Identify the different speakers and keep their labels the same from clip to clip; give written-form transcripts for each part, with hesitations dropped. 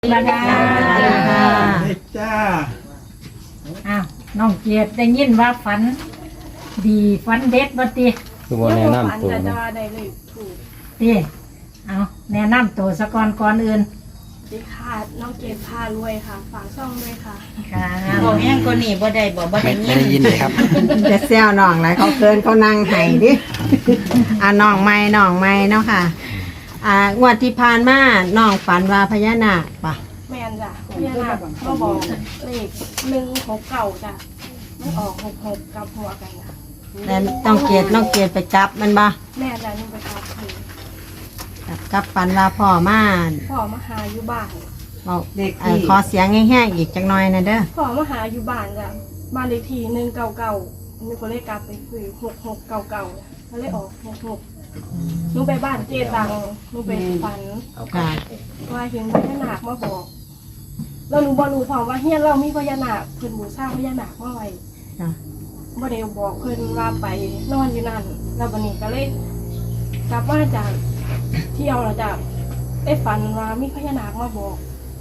Speaker 1: มาค่ะ
Speaker 2: เด็กจ้า
Speaker 1: อ้าวน้องเกียรติได้ยินว่าฝันดีฝันเด็ดบ่ติ
Speaker 3: คือบ่แนะนำตัว
Speaker 4: จะ
Speaker 3: นะ
Speaker 4: ได้เลยถูก
Speaker 1: ติเอาแนะนำตัวซะก่อนอื่น
Speaker 4: ดีค่ะน้องเกดพารวยค่ะฝากช่องด้วยค่ะ
Speaker 1: ค่ะ
Speaker 5: บอกแห้งก็นี่บ่ได้บ่ได้ยิ
Speaker 6: ไม่
Speaker 5: น
Speaker 6: ได้ยินเลยครับ
Speaker 2: จะเซลน้องไรเขาเกินเขานั่งไห้ดิน้องไม่เนาะค่ะงวดที่ผ่านมาน้องฝันว่าพญานาคปะ
Speaker 4: แมนจ้ะพี่นาก็บอกเลข169จ้ะไม่ออก66กับหัวกันนะ
Speaker 2: แต่น้องเกดไปจับมันปะ
Speaker 4: แม่จ้ะนี่ไปครับคือ
Speaker 2: กับฝันว่าพ่อม่าน
Speaker 4: พ่อมาหาอยู่บ้าน
Speaker 2: บอกขอเสียงแห้งๆอีกจังหน่อยนะเด้อ
Speaker 4: พ่อมาหาอยู่บ้านจ้ะบ้านเลขที่199มีคนเลขกลับไปคือ6699ก็เลยออก66หนูไปบ้านเจตังหนูไปฝัน
Speaker 2: ค่ะ
Speaker 4: ว่าเห็นพญานาคมาบอกเราหนูบ่รู้พร้อมว่าเฮียนเรามีพญานาคเพิ่นบูชาพญานาคมาไว้
Speaker 2: ค่ะ
Speaker 4: บ่ได้บอกเพิ่นว่าไปนอนอยู่นั่นแล้วบัดนี้ก็เลยกลับมาจากเที่ยวแล้วจ้ะได้ฝันว่ามีพญานาคมาบอก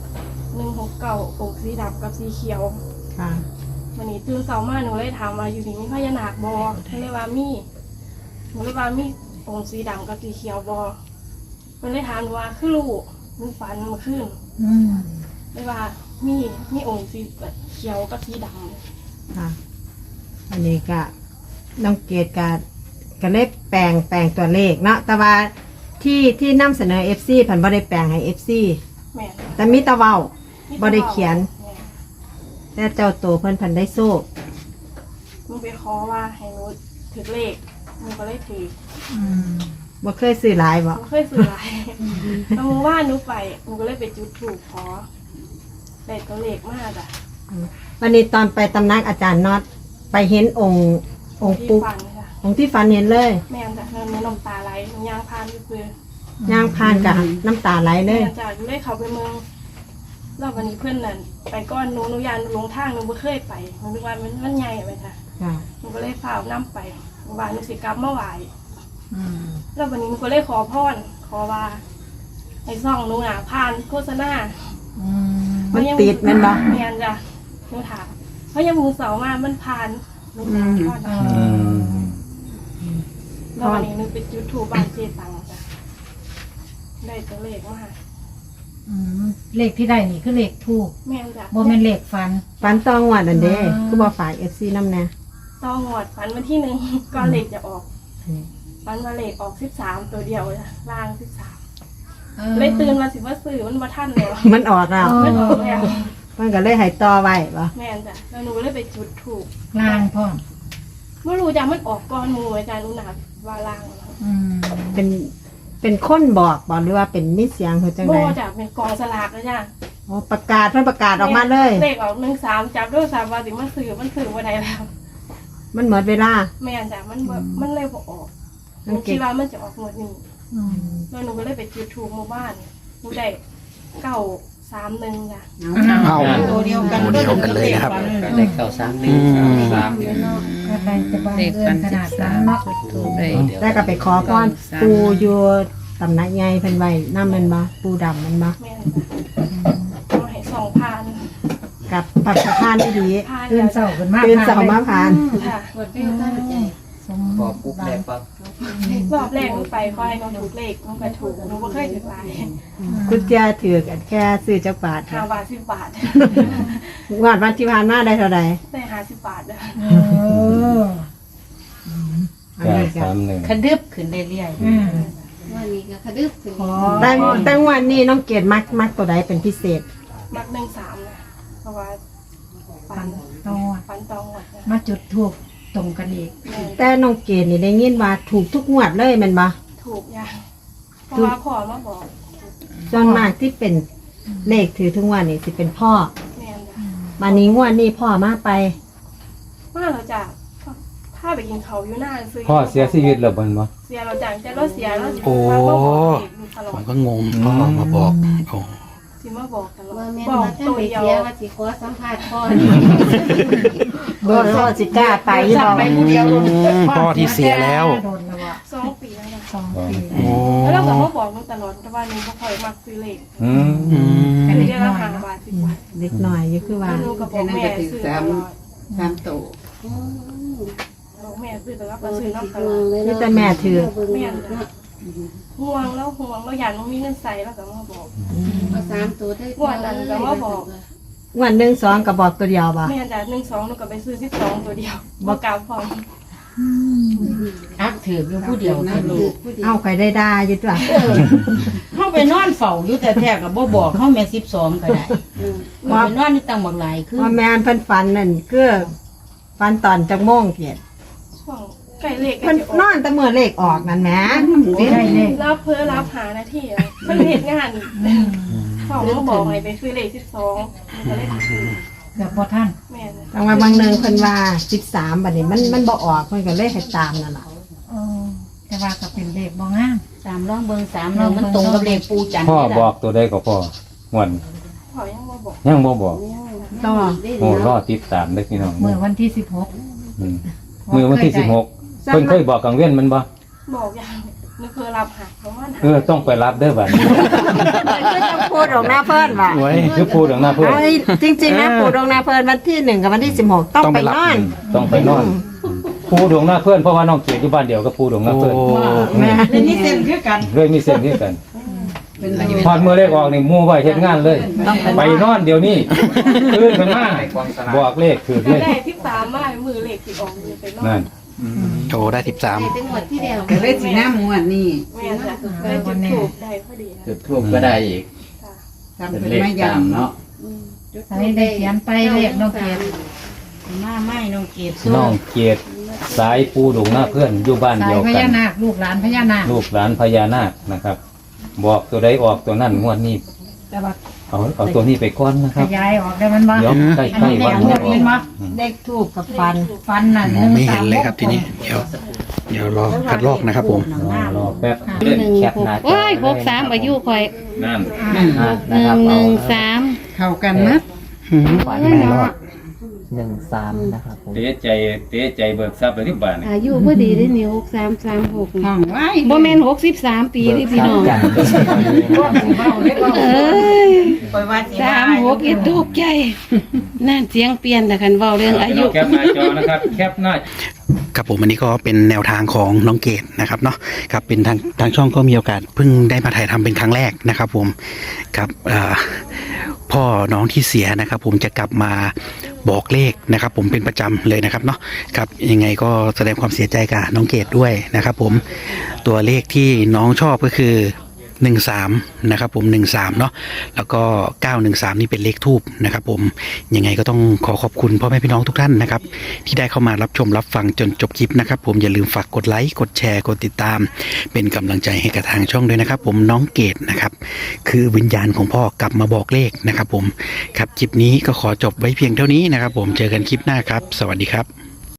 Speaker 4: 169องค์สีดำกับสีเขียว
Speaker 2: ค่ะ
Speaker 4: วันนี้ตื่นเช้ามาหนูเลยถามว่าอยู่นี่มีพญานาคบ่เพิ่นเลยว่ามีหนูเลยว่ามีองค์สีดำกับสีเขียวบ่เพิ่นเลยถามหนูว่าคือลูกหนูฝันเมื่อคืน
Speaker 1: อืม
Speaker 4: เลยว่ามีองค์สีเขียวกับสีดำ
Speaker 2: ค่ะอันนี้ก็น้องเกดก็เลยแปลงตัวเลขเนาะแต่ว่าที่นำเสนอ FC ผันบ่ได้แปลงให้ FC
Speaker 4: แม่น
Speaker 2: แต่มีแตะเว้า
Speaker 4: มี
Speaker 2: บ่ได้เขียน
Speaker 4: แม่น
Speaker 2: แต่เจ้าตัวเพิ่นพันได้โซ่
Speaker 4: มึงไปขอว่าให้หนูถือเลขมึงก็เลยถือ
Speaker 1: อืม
Speaker 2: บ่เคยซื้อหลายบ่
Speaker 4: มึงเคยซื้อหลายแล้วมึงว่าหนูไปมึงก็เลยไปจุดถูกขอได้ตัวเลขมากอ่ะ
Speaker 2: วันนี้ตอนไปตำนักอาจารย์น็อตไปเห็นองค์
Speaker 4: ที่
Speaker 2: ปุ๊ก
Speaker 4: ฟันค่ะ
Speaker 2: องค์ที่ฝันเห็นเลย
Speaker 4: แม่นจ้ะเนื้อน้ำตาไหลหนูย่างพานอยู่เพื่อย่าง
Speaker 2: ผ่านกับน้ำตาไหลเล
Speaker 4: แม่
Speaker 2: ย
Speaker 4: นจ้ะหนูเลยเข้าไปเมืองแล้ววันนี้เพื่อนนั่นไปก้อนหนูยานหนูลงทางหนูไม่เคยไปหนูนึกว่ามันใหญ่ไปจ้ะ
Speaker 2: ค่ะ
Speaker 4: หนูก็เลยฝ่าน้ำไปว่าหนูสิกลับมาไหว
Speaker 1: อืม
Speaker 4: แล้ววันนี้หนูก็เลยขอพรขอว่าให้ซ่องหนูน่ะผ่านโฆษณา
Speaker 1: อืม
Speaker 2: มันติดแมันบ่
Speaker 4: เมียนจ้ะหนูถามเพราะยังมือเสามามันผ่านหนูขอพร
Speaker 1: เอ
Speaker 4: นะ
Speaker 1: อ
Speaker 4: แล้ววันนี้หนูไปจุดถูปบ้านเจตังจ้ะได้ตัวเลขมา
Speaker 1: อืมเลขที่ได้นี่คือเลขถูก
Speaker 4: แม่นจ้ะ
Speaker 1: บ่แม่นเลขฝัน
Speaker 2: ฝันตองวัดอันเด้
Speaker 1: อ๋อ
Speaker 2: คือบ่ฝาก FC นำแน่
Speaker 4: ต้องหวดฝันวันที่1 ก่อนเลขจะออกฝันว่าเลขออก13ตัวเดียวจ้ะล่าง13เลยตื่นมาสิว่าซื้อมันมาทันแล้ว
Speaker 2: มันออกแล้ว
Speaker 4: มันออกแล้ว
Speaker 2: มันก็เลยให้ต่อไว้บ่
Speaker 4: แม่นจ้ะแล้วหนูก็เลยไปจุดถูก
Speaker 1: ล่างพ่อม
Speaker 4: ไม่รู้จ้ะมันออกก้อนหมูอาจารย์รู้หนักว่าล่างนะ
Speaker 1: อืม
Speaker 2: เป็นคนบอกบ่หรือว่าเป็นมิเสียงคือจัง
Speaker 4: โบ
Speaker 2: ได๋
Speaker 4: จ้ะเป็นกองสลากนะจ้ะ
Speaker 2: อ๋อประกาศเพิ่นประกาศออกมาเลย
Speaker 4: เลขออก13จับด้วย3ว่าสิมันสื่อว่าใดแล้ว
Speaker 2: มันหมดเวลา
Speaker 4: แม่นจ้ะมันเลยบ่ออกห
Speaker 2: มั
Speaker 4: นู
Speaker 2: นเก็บ
Speaker 4: คิดว่ามันจะออกหมดนี้
Speaker 1: อืม
Speaker 4: แล้วหนูก็เลยไปจุดถูกหมู่บ้านหนูได้931จ้ะ
Speaker 6: เอา
Speaker 5: ตัวเดียวกัน
Speaker 6: ตัวเดียวกันเลยนะครับ
Speaker 3: ได้เข้า3
Speaker 1: ก็ได้จะบ้าน
Speaker 5: เด็ก
Speaker 1: เกิ
Speaker 5: กัน น
Speaker 1: ขนาดนั้น
Speaker 5: 13
Speaker 1: เนาะ
Speaker 5: จุดถูกได้
Speaker 2: แล้วก็ไปขอพรปูอยู่ตำหนักใหญ่เพิ่นไว้นำแม่นบ่ปูดำแม่นบ่
Speaker 4: แม่นจ้ะเอาให้2,000
Speaker 2: กับปัจจุบันที่ดี
Speaker 4: ผ่าน
Speaker 1: ตื่น
Speaker 4: แล้ว
Speaker 1: เช้าขึ้นมา
Speaker 2: ตื่นเสาร์มาผ่าน
Speaker 4: ค่ะ
Speaker 1: สม
Speaker 3: พอปุ๊บแรกปั๊บ
Speaker 4: รอบแรกหนูไปคอยหนูถูกเลขหนูไปถูกหนูบ่เคยถูกหลาย
Speaker 2: คุณเจ้าถือกันแค่ซื้อจักบาท
Speaker 4: 5 บาท10 บาท
Speaker 2: งวดวันที่ผ่านมาได้เท่าไหร่
Speaker 4: ได้50 บาทจ้ะ
Speaker 1: เออ
Speaker 2: อันนี้ก็
Speaker 5: กระดึบขึ้นเรื่อย
Speaker 1: อืม
Speaker 5: วันนี้ก็กระดึบขึ้น
Speaker 1: ขอ
Speaker 2: ตั้งวันนี้น้องเกดมักตัวใดเป็นพิเศษ
Speaker 4: มัก13นะเพราะว่าฝั
Speaker 1: ฝั
Speaker 4: น
Speaker 1: นตอง
Speaker 4: ฝันตองหมดนะ
Speaker 1: มาจุดถูกตรงกันอีก
Speaker 4: แม่
Speaker 2: แต่น้องเกดนี่ได้ยินว่าถูกทุกงวดเลยแมันบ่
Speaker 4: ถูกอย่างเพราะว่าพ่อมาบอก
Speaker 2: ส่วนมากที่เป็นเลขถือทุกงวันนี่สิเป็นพ่อ
Speaker 4: แม่นจ้ะ
Speaker 2: มานี้งวดนี้พ่อมาไป
Speaker 4: มาเราจ้ะพาไปกินเขาวอยู่หน้าซื้อ
Speaker 3: พ่อเสียชีวิตแล้วบ่นบ่
Speaker 4: เสียเราจ้ะแต่เราเสียแล้ว
Speaker 6: โอ้
Speaker 4: มาบอกเด็กอยู่ตลอ
Speaker 6: ผ
Speaker 4: ด
Speaker 6: มก็งงพ่อมาบอกโอ้
Speaker 4: สิมาบอกตลอด
Speaker 5: ว่าแม่
Speaker 4: บอก
Speaker 5: มาท่าน
Speaker 4: ตัว
Speaker 5: ไป
Speaker 4: เดียว
Speaker 5: เสียว่าสิขอสัมภาษณ์พ่อ
Speaker 2: พ่อสิกล้าไปหรอก
Speaker 6: พ่อที่เสียแล้ว
Speaker 1: โดนแล้วอะ
Speaker 4: 2 ปีแล้วนะ
Speaker 1: 2 ปี
Speaker 6: โอ้
Speaker 4: แล้วเราก็มาบอกหนูตลอดแต่ว่าหนูบ่ค่อยมักซื้อเลข
Speaker 3: อืม
Speaker 6: อืม
Speaker 1: ก็
Speaker 4: เดื
Speaker 1: เล็ก
Speaker 4: อน
Speaker 1: น้
Speaker 4: ละ
Speaker 1: อย
Speaker 4: 5
Speaker 1: เนาะ
Speaker 4: บาท10 บาท
Speaker 2: เด็กหน่อยอยู่คือว่า
Speaker 4: แล้วหนูก็บอกแม่ซื้อตลอด
Speaker 5: 3โต
Speaker 4: บอกแม่ซื้อตลอดก็ซื้อน้ำตลอด
Speaker 2: นี่แต่แม่ถือ
Speaker 4: แม่ห่วงแล้วอยากหนูมีเงินใส่แล้วก็มาบอก
Speaker 5: เอา3โตได้
Speaker 4: งวดนั้นก็มาบอก
Speaker 2: วัน1 2ก็บอกตัวเดียวบ่
Speaker 4: แม่จาก1 2หนูก็ไปซื้อ12ตัวเดียวบ่กลับพร้อม
Speaker 5: อักถืออยู่ผู้เดียวนะลูก
Speaker 2: เอาใครได้ด่าอยู่ตัว
Speaker 7: เฮาไปนอนเฝ้าอยู่แต่แท้ก็บ่บอกเฮาแม่12ก็ได้ว่าไปนอนอยู่ตังบักหลายคือ
Speaker 2: ว่าแม่นเพิ่นฝันนั่นคือฝันตอนจักโมงเกียรติ
Speaker 4: ช่วงใกล้เลข
Speaker 2: เพิ่นนอนแต่เมื่อเลขออกนั่นแหม
Speaker 1: ได้เลข
Speaker 4: รับเพื่อรับหาหน้าที่อะเพิ่นเฮ็ดงานพ่อมาบอกให้ไปซื้อเลข12ก็เลยซื้อ
Speaker 1: เกือบบ่ทัน
Speaker 4: แม่น
Speaker 2: จังว่าบางหนึงเพิ่นว่า13บัดนี้มันบ่ออกเพิ่นก็เลยให้ตามนั่นล่ะ
Speaker 1: เออแต่ว่าก็เป็นเลขบ่งาม
Speaker 7: 3ลองเบิ่ง3ลองมันตรงกับเลขปูจันทร์
Speaker 3: พ่อ
Speaker 7: นี่ล่ะ
Speaker 3: บอกตัวใดก็พ่อม่วน
Speaker 4: พ่อยังมาบอก
Speaker 3: ยังบ่บอก
Speaker 2: ต่อ
Speaker 3: โอ้รอติดตามเด้อพี่น้อง
Speaker 1: เมื่อวันที่
Speaker 3: อืมมื้อวันที่16เพิ่นเคยบอกกลางเว้นมันบ่
Speaker 4: บอกอย่างนึกเพื่อรับหาประมาณ
Speaker 3: ต้องไปรับเด้อบัดนี้
Speaker 2: ก็จะพูดออกหน้าเพิ่นว่า
Speaker 6: ไว้
Speaker 3: คือพูดถึงหน้าเพิ่น
Speaker 2: เอ้ยจริงๆนะพูดออกหน้าเพิ่นวันที่1กับวันที่16ต้องไปนอน
Speaker 3: ต้องไปนอนภูดวงหน้าเพื่อนเพราะว่าน้องเกียรติอยู่บ้านเดียวกับภูดวงหน้า
Speaker 6: โอ้
Speaker 3: เพื่อน
Speaker 2: แม่
Speaker 7: แล้วนี่เส้นคือกัน
Speaker 3: เลยมีเส้นที่กันพอดมือเลขออกนี่มู่ไว้เฮ็ดงานเลย ไปนอนเดี๋ยวนี้ตื่นขึ้นมาบอกเลขคือ
Speaker 4: ก็
Speaker 3: เลข
Speaker 4: ได้13มามือเลขสิออกมือไปนอ
Speaker 3: นั่
Speaker 4: น
Speaker 3: น
Speaker 6: โชว์ได้
Speaker 5: ได้แต่งวดที่แล้ว
Speaker 7: ก็เลยสิน้ำงวดนี้
Speaker 4: แม่จะได้จุดถูกได้พอดี
Speaker 3: จุดทูบก็ได้อีก
Speaker 7: ทำเป็นไม่ยามเนาะ
Speaker 1: 16ใส่ได้เขียนไปเลขน้องเกด
Speaker 7: มาไม่น้องเกด
Speaker 3: น้องเกียรติสายภูดวงหน้าเพื่อนอยู่บ้าน
Speaker 1: สา
Speaker 3: เดี
Speaker 1: ย
Speaker 3: ยว
Speaker 1: พ
Speaker 3: กั
Speaker 1: ญาน นาคลูกหลานพญานาค
Speaker 3: ลูกหลานพญานาคนะครับ บอกตัวใดออกตัวนั้นงวดนี้
Speaker 1: แต่ว่า
Speaker 3: เอาตัวนี้ไปก่อนนะค
Speaker 1: ข
Speaker 3: รับ
Speaker 1: ยายออกได้มันบ่
Speaker 3: เดี๋ยวใก
Speaker 1: อัน
Speaker 3: ล้
Speaker 1: นี้
Speaker 3: ๆ
Speaker 1: เล
Speaker 3: วั
Speaker 1: ข
Speaker 3: น
Speaker 1: งวด
Speaker 3: อ
Speaker 1: เป็นบ่
Speaker 2: เลขทูบกับฟัน
Speaker 1: ฟันน่ะ
Speaker 6: มองไม่เห็นเลยครับทีนี้ เดี๋ยวรอคัดลอกนะครับผม
Speaker 3: รอแป๊บ
Speaker 5: แคปหน้าจอว้าย63อายุข่อย
Speaker 3: นั่น
Speaker 5: 113
Speaker 7: เข้ากันนะ
Speaker 6: ฝันไม่รอด
Speaker 8: 13 นะครับผม
Speaker 3: เตะใจเบิกทรัพย์เลยที่บ้านนี่
Speaker 5: อายุพอดีได้นี่6336
Speaker 7: ห้องไว้
Speaker 5: บ่แม่น63 ปีนี่พี่น้อง
Speaker 8: กัน
Speaker 1: พวกสิเว้าเลขเว้า
Speaker 5: เอ้ย
Speaker 7: ปล่อยว่าสิ
Speaker 5: 36อีตกใจนั่นเสียงเปลี่ยนแต่คันเว้าเรื่องอายุ
Speaker 3: แคปหน้าจอนะครับแคปหน้า
Speaker 6: ครับผมอันนี้ก็เป็นแนวทางของน้องเกดนะครับเนาะครับเป็นทางช่องก็มีโอกาสเพิ่งได้มาถ่ายทำเป็นครั้งแรกนะครับผมกับพ่อน้องที่เสียนะครับ ผมจะกลับมาบอกเลขนะครับ ผมเป็นประจำเลยนะครับเนาะครับยังไงก็แสดงความเสียใจกับน้องเกดด้วยนะครับ ผมตัวเลขที่น้องชอบก็คือ13นะครับผม13เนาะแล้วก็913นี่เป็นเลขทูบนะครับผมยังไงก็ต้องขอขอบคุณพ่อแม่พี่น้องทุกท่านนะครับที่ได้เข้ามารับชมรับฟังจนจบคลิปนะครับผมอย่าลืมฝากกดไลค์กดแชร์กดติดตามเป็นกำลังใจให้กับทางช่องด้วยนะครับผมน้องเกดนะครับคือวิญญาณของพ่อกลับมาบอกเลขนะครับผมครับคลิปนี้ก็ขอจบไว้เพียงเท่านี้นะครับผมเจอกันคลิปหน้าครับสวัสดีครับ